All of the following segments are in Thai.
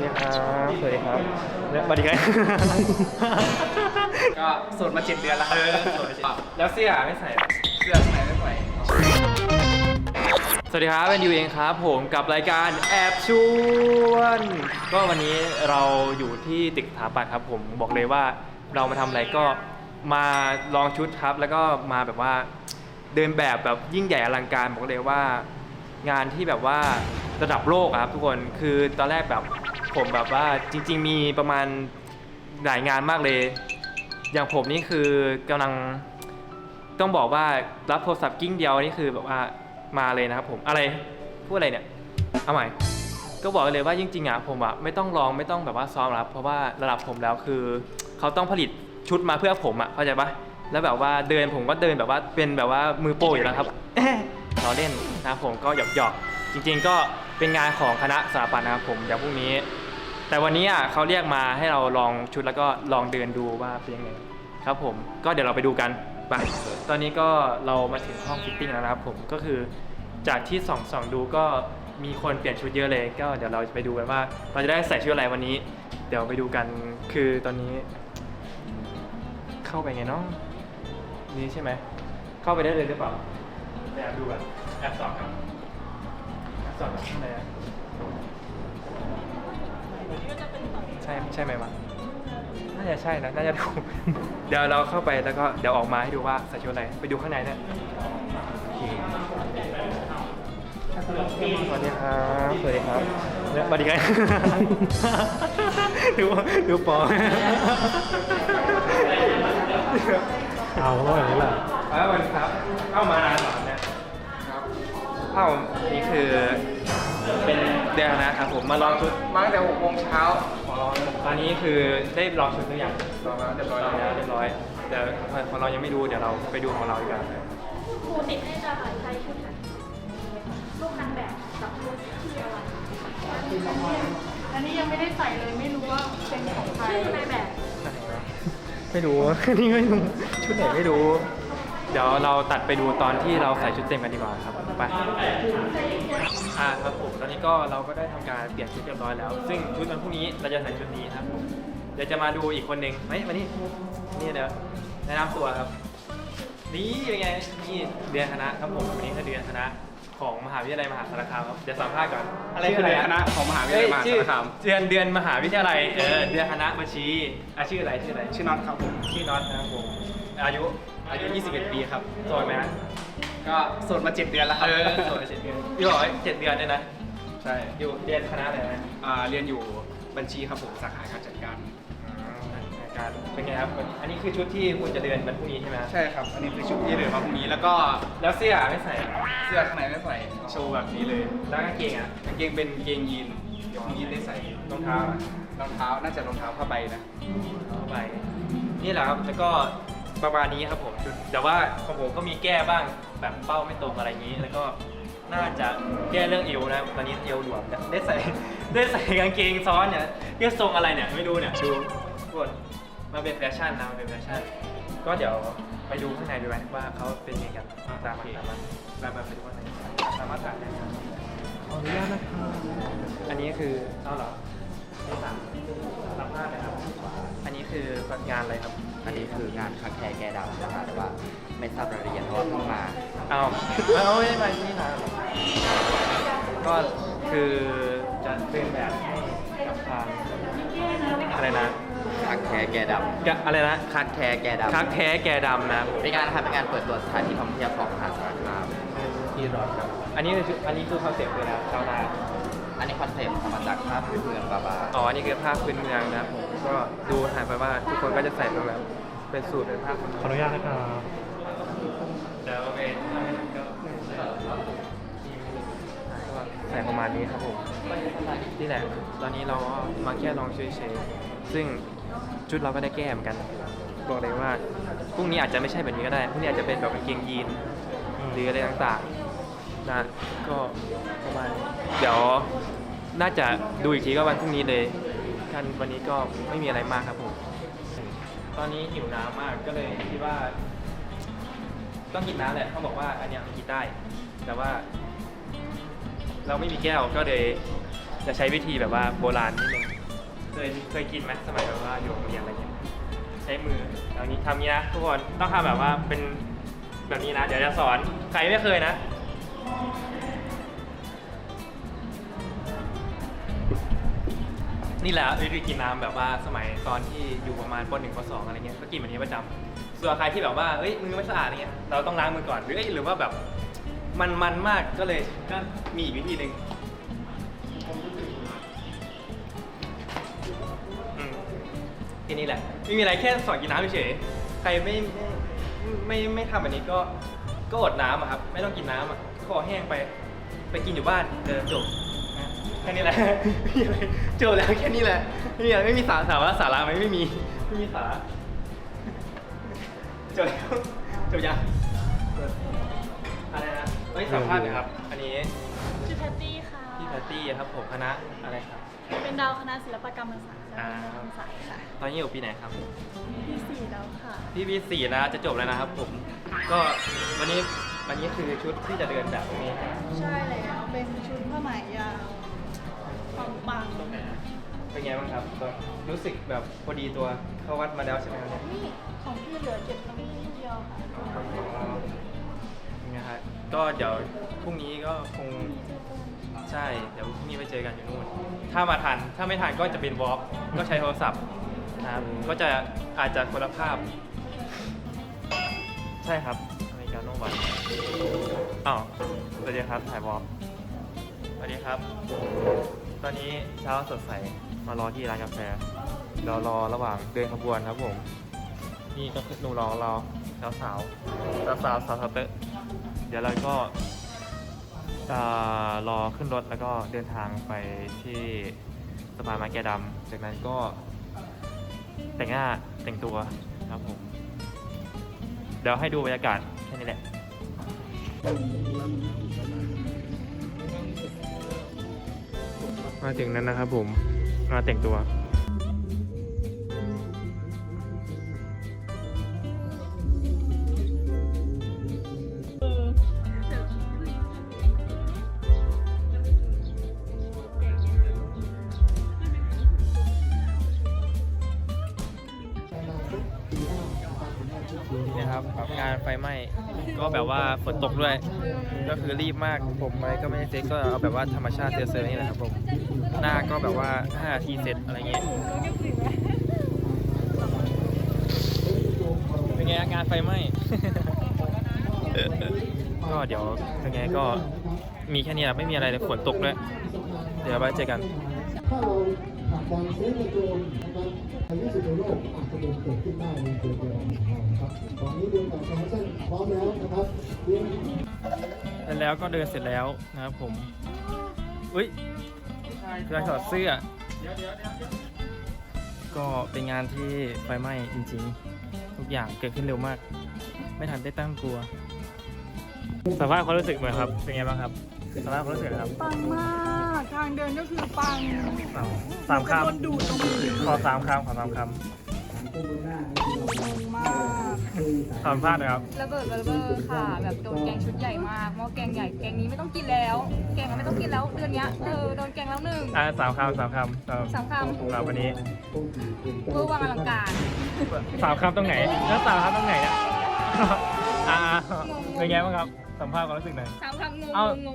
ดีครับสวัสดีครับสวัสดีครับก็โสดมา7 เดือนแล้วครับแล้วเสื้อไม่ใส่เสื้อข้างในไม่ใส่สวัสดีครับเป็นยูเองครับผมกับรายการแอบชวนก็วันนี้เราอยู่ที่ตึกสถาปัตย์ครับผมบอกเลยว่าเรามาทำอะไรก็มาลองชุดครับแล้วก็มาแบบว่าเดินแบบยิ่งใหญ่อลังการบอกเลยว่างานที่แบบว่าระดับโลกครับทุกคนคือตอนแรกแบบผมแบบว่าจริงๆมีประมาณหลายงานมากเลยอย่างผมนี่คือกำลังต้องบอกว่ารับโทรศัพท์กิ้งเดียวนี่คือแบบว่ามาเลยนะครับผมอะไรพูดอะไรเนี่ยเอาใหม่ก็บอกเลยว่าจริงๆอ่ะผมอ่ะไม่ต้องลองไม่ต้องแบบว่าซ้อมรับเพราะว่าระดับผมแล้วคือเขาต้องผลิตชุดมาเพื่อผมอ่ะเข้าใจปะแล้วแบบว่าเดินผมก็เดินแบบว่าเป็นแบบว่ามือโปรอยู่แล้วครับเราเล่นนะผมก็หยอกจริงๆก็เป็นงานของคณะสถาปัตย์นะครับผมเดี๋ยวพรุ่งนี้แต่วันนี้อ่ะเขาเรียกมาให้เราลองชุดแล้วก็ลองเดินดูว่าเป็นยังไงครับผมก็เดี๋ยวเราไปดูกันไปตอนนี้ก็เรามาถึงห้องฟิตติ้งแล้วนะครับผมก็คือจากที่ส่องดูก็มีคนเปลี่ยนชุดเยอะเลยก็เดี๋ยวเราจะไปดูกันว่าเราจะได้ใส่ชุดอะไรวันนี้เดี๋ยวไปดูกันคือตอนนี้เข้าไปไงเนาะนี่ใช่ไหมเข้าไปได้เลยหรือเปล่าไปแอบดูกันแอบส่องครับแอบส่องข้างในอะใช่ไหมวะน่าจะใช่นะน่าจะถูก เดี๋ยวเราเข้าไปแล้วก็เดี๋ยวออกมาให้ดูว่าใส่ชุดอะไรไปดูข้างในเนี่ยสวัสดีครับสวัสดีครับสวัสดีครับดูปอเอาก็อย่างนี้แหละแล้ววันครับเข้ามานานหรอเนี่ยครับเข้านี่คือเป็นเดือนนะครับผมมาลองชุดมาตั้งแต่6 โมงเช้าตอนนี้คือได้ลองชุดหรือยังลองแล้วเรียบร้อยแล้วเรียบร้อยเดี๋ยวของเรายังไม่ดูเดี๋ยวเราไปดูของเราดีกว่าครูติดให้จะใช้ชุดรูปนางแบบกับชุดชื่ออะไรอันนี้ยังไม่ได้ใส่เลยไม่รู้ว่าเป็นของใครชื่อนายแบบไม่รู้นี่ไม่รู้ชุดไหนไม่รู้เดี๋ยวเราตัดไปดูตอนที่เราใส่ชุดเต็มกันดีกว่าครับไปครับผมตอนนี้ก็เราก็ได้ทำการเปลี่ยนชุดเรียบร้อยแล้วซึ่งชุดวันพรุ่งนี้เราจะใส่ชุดนี้ครับผมเดี๋ยวจะมาดูอีกคนหนึ่งมานี่เดี๋ยวแนะนำตัวครับนี่เป็นไงนี่เดือนคณะครับผมวันนี้คือเดือนคณะของมหาวิทยาลัยมหาสารคามครับเดี๋ยวสัมภาษณ์ก่อนอะไรคือเดือนคณะของมหาวิทยาลัยมหาสารคามเดือนมหาวิทยาลัยเดือนคณะบัญชีชื่ออะไรชื่อน็อตครับผมชื่อน็อตนะครับผมอายุ 21 ปีครับโสดไหมฮะก็โสดมา7 เดือนแล้วครับโสดมา7 เดือนพี่บอกว่า7 เดือนเนี่ยนะใช่อยู่เรียนคณะอะไรนะเรียนอยู่บัญชีครับผมสาขาการจัดการเป็นไงครับอันนี้คือชุดที่คุณจะเดินวันพรุ่งนี้ใช่ไหมใช่ครับอันนี้คือชุดที่เดินมาพรุ่งนี้แล้วก็แล้วเสื้อไม่ใส่เสื้อข้างในไม่ใส่โชว์แบบนี้เลยแล้วกางเกงกางเกงเป็นเกงยีนเดี๋ยวพรุ่งนี้ได้ใส่รองเท้าน่าจะรองเท้าผ้าใบนะผ้าใบนี่แหละครับแล้วก็ประมาณนี้ครับผมแต่ว่าของผมก็มีแก้บ้างแบบเป้าไม่ตรงอะไรอย่างนี้แล้วก็น่าจะแก้เรื่องเอวนะตอนนี้เอวหลวมได้ใส่กางเกงซ้อนเนี่ยเรื่องทรงอะไรเนี่ยไม่รู้เนี่ยดูกดมาเป็นแฟชั่นนะมันเป็นแฟชั่นก็เดี๋ยวไปดูข้างในดูไหมว่าเขาเป็นยังไงกันตามมาไปดูข้างในสามารถถ่ายได้ครับขออนุญาตนะครับอันนี้คือเอาเหรอไม่สั่งรับผ้าเลยครับอันนี้คืองานอะไรครับอันนี้คืองานคาแคร์แกดำนะคะแต่ว่าไม่ทราบรายละเอียดเพราะว่าเพิ่งมาเอาไม่ได้มาที่นี่นะก็คือจะเป็นแบบให้กับทางอะไรนะคาแคร์แกดำอะไรนะคาแคร์แกดำคาแคร์แกดำนะเป็นงานนะครับเป็นงานเปิดตัวสถานที่ท่องเที่ยวของมหาสารคามที่รอดครับอันนี้คือคอนเซ็ปต์เลยนะชาวนาอันนี้คอนเซ็ปต์มาจากภาพพื้นเมืองบาบาอ๋อนี่คือภาพพื้นเมืองนะผมก็ดูหายไปว่าทุกคนก็จะใส่แบบเป็นสูตรเป็นภาพขออนุญาตนะครับเดี๋ยวโอเคก็ใส่ประมาณนี้ครับผมนี่แหละตอนนี้เรามาแค่ลองเฉยๆซึ่งชุดเราก็ได้แก้เหมือนกันบอกเลยว่าพรุ่งนี้อาจจะไม่ใช่แบบนี้ก็ได้พรุ่งนี้อาจจะเป็นแบบกางเกงยีนหรืออะไรต่างๆนะก็ประมาณเดี๋ยวน่าจะดูอีกทีก็วันพรุ่งนี้เลยกันวันนี้ก็ไม่มีอะไรมากครับผมตอนนี้หิวน้ำมากก็เลยคิดว่าต้องกินน้ำแหละเขาบอกว่าอันนี้มันกินได้แต่ว่าเราไม่มีแก้วก็เลยจะใช้วิธีแบบว่าโบราณนิดนึงเคยกินไหมสมัยแบบว่าอยู่โรงเรียนอะไรเงี้ยใช้มือเอานี้ทำนี้นะทุกคนต้องทำแบบว่าเป็นแบบนี้นะเดี๋ยวจะสอนใครไม่เคยนะนี่แหละวิธีกินน้ำแบบว่าสมัยตอนที่อยู่ประมาณป .1 ป .2 อะไรเงี้ยก็กินแบบนี้ประจำส่วนใครที่แบบว่าเฮ้ยมือไม่สะอาดอะไรเงี้ยเราต้องล้างมือก่อนหรือว่าแบบมันมากก็เลยก็มีอีกวิธีหนึ่งแค่นี้แหละไม่มีอะไรแค่สอนกินน้ำเฉยๆใครไม่ทำแบบนี้ก็อดน้ำอะครับไม่ต้องกินน้ำอะคอแห้งไปกินอยู่บ้านจบนะแค่นี้แหละ ไม่มีอะไรจบแล้วแค่นี้แหละไม่มีสาระไหมไม่มีสาระจบแล้วจบยังอะไรนะเฮ้ยสัมภาษณ์หน่อยครับอันนี้ชื่อแพตตี้ค่ะพี่แพตตี้ครับผมคณะอะไรครับเป็นดาวคณะศิลปกรรมศาสตร์อ่าและศิลปศาสตร์ค่ะตอนนี้อยู่ปีไหนครับปี4แล้วค่ะพี่ปี4แล้วจะจบแล้วนะครับผมก็วันนี้คือชุดที่จะเดินแบบนี้ใช่แล้วเป็นชุดผ้าไหมยาวปังเป็นไงบ้างครับก็รู้สึกแบบพอดีตัวเข้าวัดมาแล้วใช่ไหมครับเนี่ยๆนี่ของพี่เหลือเก็บตรงนี้นิดเดียวค่ะยังไงครับก็เดี๋ยวพรุ่งนี้ก็คงใช่เดี๋ยวพรุ่งนี้ไปเจอกันอยู่นู่นถ้ามาทันถ้าไม่ทันก็จะเป็นวอล์กก็ใช้โทรศัพท์นะครับก็จะอาจจะคนละภาพ ใช่ครับอเมริกาโน่วันอ้าวสวัสดีครับถ่ายวอล์กสวัสดีครับ ตอนนี้เช้าสดใสมารอที่ร้านกาแฟเรารอระหว่างเดินขบวนครับผมนี่ก็คือหนุ่มรอเราสาวเตอะเดี๋ยวเราก็จะรอขึ้นรถแล้วก็เดินทางไปที่สะพานไม้แกดำจากนั้นก็แต่งหน้าแต่งตัวครับผมเดี๋ยวให้ดูบรรยากาศแค่นี้แหละมาถึงนั้นนะครับผมมาแต่งตัวนี่ครับงานไฟไหม้ก็แบบว่าฝนตกด้วยก็คือรีบมากผมไปก็ไม่ได้เซ็ตก็เอาแบบว่าธรรมชาติเซอร์นี่แหละครับผมหน้าก็แบบว่า5 นาทีเสร็จอะไรเงี้ยเป็นไงงานไฟไหม้ ก็เดี๋ยวยังไงก็มีแค่นี้แหละไม่มีอะไรเลยฝนตกด้วยเดี๋ยวไว้เจอกันถ้าเราผลักดันเซฟในโดรนนะครับในที่สุดในโลกอาจจะเป็นเกิดขึ้นได้ในตัวเรานะครับตอนนี้เดินต่อคอมมิชชั่นพร้อมแล้วนะครับแล้วก็เดินเสร็จแล้วนะครับผมอุ้ยเรื่องถอดเสื้อก็เป็นงานที่ไฟไหม้จริงๆทุกอย่างเกิดขึ้นเร็วมาก ไม่ทันได้ตั้งตัวสัมภาษณ์ความรู้สึกเหมือนครับเป็นไงบ้างครับสัมภาษณ์ความรู้สึกครับปังมากทางเดินก็คือปังสามคโดนดูดลงไปำขอ3 คำปังมากสัมภาษณ์นะครับระเบิดค่ะ แบบโดนแกงชุดใหญ่มากหม้อแกงใหญ่แกงนี้ไม่ต้องกินแล้ว แกงไม่ต้องกินแล้วเดือนเนี้ยโดนแกงแล้วหนึ่ง 3 คำสามคสำหรับวันนี้เพื่อวางอลังการ 3 คำตรงไหนแล้ว3 คำตรงไหนเนี่ยเป็นไงบ้างครับสัมภาษณ์ความรู้สึกหน่อยสามคำงงเอ้างง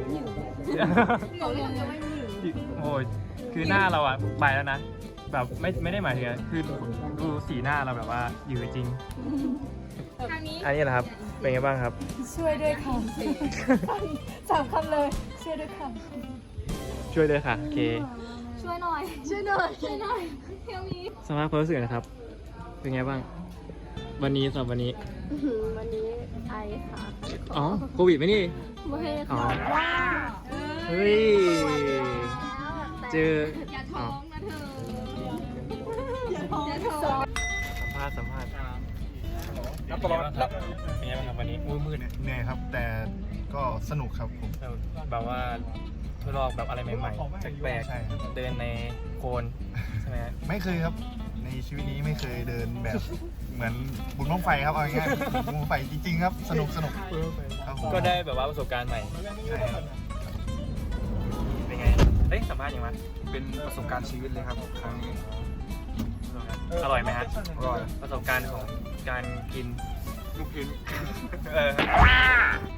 ไม่มีโอ้ยคือหน้าเราอะไปแล้วนะแบบไม่ได้หมายถึงอะคือดูสีหน้าเราแบบว่าอยู่จริงทางนี้อันนี้แหละครับเป็นไงบ้างครับช่วยด้วยค่ะสามคำเลยช่วยด้วยค่ะช่วยเลยค่ะโอเคช่วยหน่อยช่วยหน่อยช่วยหน่อยเที่ยวนี้สภาพความรู้สึกนะครับ เป็นไงบ้าง วันนี้สำหรับวันนี้วันนี้ไอค่ะอ๋อโควิดไหมนี่ไม่อ๋อค่ะว่าเฮ้ยเจออย่าท้องนะเธออย่าท้องอย่าท้องสัมภาษณ์รับตลอดเป็นไงบ้างครับวันนี้อุ้ยมืดเหนื่อยครับ แต่ก็สนุกครับผมแบบว่าทดลองแบบอะไรใหม่ๆแปลกใช่ครับๆเดินในโคลนใช่ไหมฮะไม่เคยครับ ในชีวิตนี้ไม่เคยเดินแบบ เหมือนบุญบั้งไฟครับเอาง่ายๆบุญบั้งไฟจริงๆครับ สนุกครับผมก็ได้แบบว่าประสบการณ์ใหม่ใช่ครับเป็นไงเอ้ยสัมภาษณ์ยังไงเป็นประสบการณ์ชีวิตเลยครับครั้งนี้อร่อยไหมฮะอร่อยประสบการณ์ของการกินลูกชิ้นเออ